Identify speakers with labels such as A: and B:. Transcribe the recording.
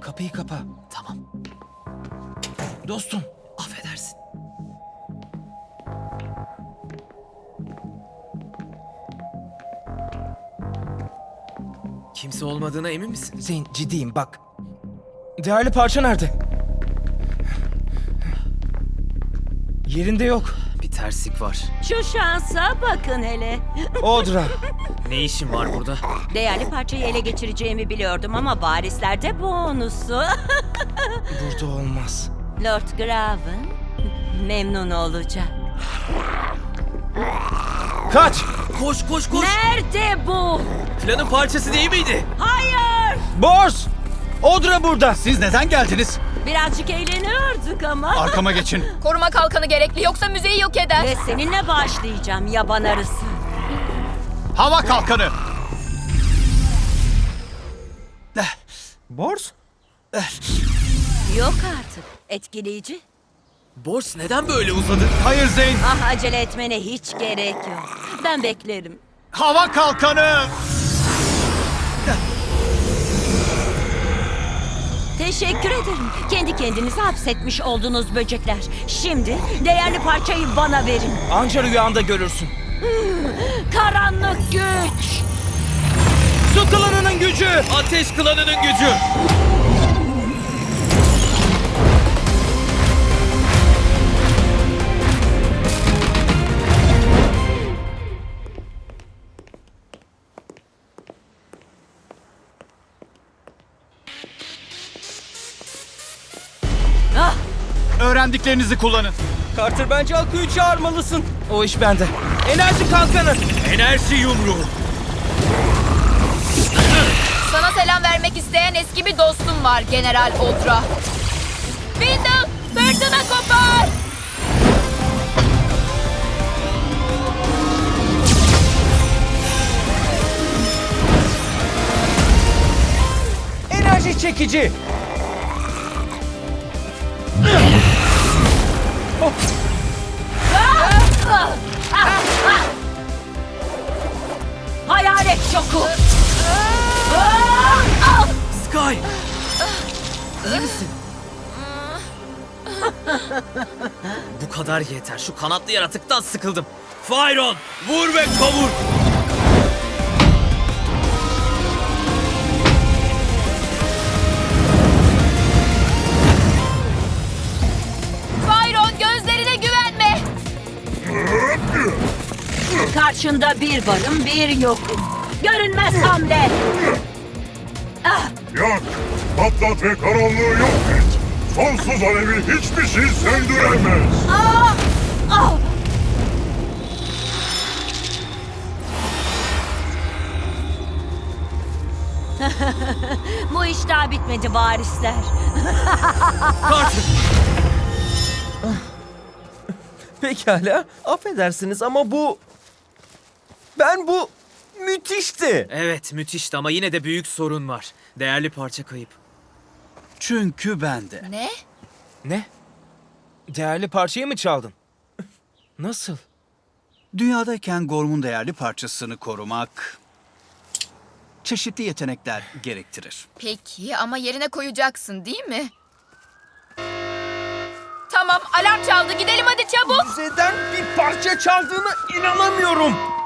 A: Kapıyı kapa.
B: Tamam.
A: Dostum.
B: Affedersin. Kimse olmadığına emin misin?
A: Zeyn, ciddiyim bak. Değerli parça nerede? Yerinde yok.
B: Bir terslik var.
C: Şu şansa bakın hele.
A: Audra.
B: Ne işin var burada?
C: Değerli parçayı ele geçireceğimi biliyordum ama varislerde bonusu.
A: Burada olmaz.
C: Lord Graven memnun olacak.
A: Kaç!
B: Koş koş koş.
C: Nerede bu?
B: Planın parçası değil miydi?
C: Hayır!
A: Bors! Audra burada.
D: Siz neden geldiniz?
C: Birazcık eğleniyorduk ama.
D: Arkama geçin.
E: Koruma kalkanı gerekli yoksa müzeyi yok eder.
C: Ve seninle başlayacağım yaban arısı.
D: Hava kalkanı.
A: Bors?
C: Yok artık. Etkileyici.
B: Bors neden böyle uzadı?
D: Hayır Zeyn.
C: Ah, acele etmene hiç gerek yok. Ben beklerim.
D: Hava kalkanı.
C: Teşekkür ederim. Kendi kendinizi hapsetmiş oldunuz böcekler. Şimdi değerli parçayı bana verin.
A: Anca rüyanda görürsün.
C: Karanlık güç.
A: Su klanının gücü!
B: Ateş klanının gücü.
C: Ah,
D: Öğrendiklerinizi kullanın.
A: Carter, bence Akku'yu çağırmalısın. O iş bende. Enerji kalkanı!
B: Enerji yumruğu.
E: Sana selam vermek isteyen eski bir dostum var General Audra. Windle, fırtına kopar!
A: Enerji çekici!
C: hayalet şoku.
B: Sky. İyi misin? Bu kadar yeter. Şu kanatlı yaratıktan sıkıldım. Fyron, vur ve kavur.
E: Byron, gözlerine güvenme!
C: Karşında bir varım bir yokum. Görünmez hamle.
F: Yak, patlat ve karanlığı yok et. Sonsuz alevi hiçbir şey söndüremez.
C: Bu iş daha bitmedi varisler.
B: Carter.
A: Pekala, affedersiniz ama bu müthişti.
B: Evet, müthişti ama yine de büyük sorun var. Değerli parça kayıp.
D: Çünkü bende.
E: Ne?
A: Ne? Değerli parçayı mı çaldın? Nasıl?
D: Dünyadayken Gorm'un değerli parçasını korumak çeşitli yetenekler gerektirir.
E: Peki ama yerine koyacaksın değil mi? Tamam, alarm çaldı. Gidelim hadi çabuk.
A: Müzeden bir parça çaldığına inanamıyorum.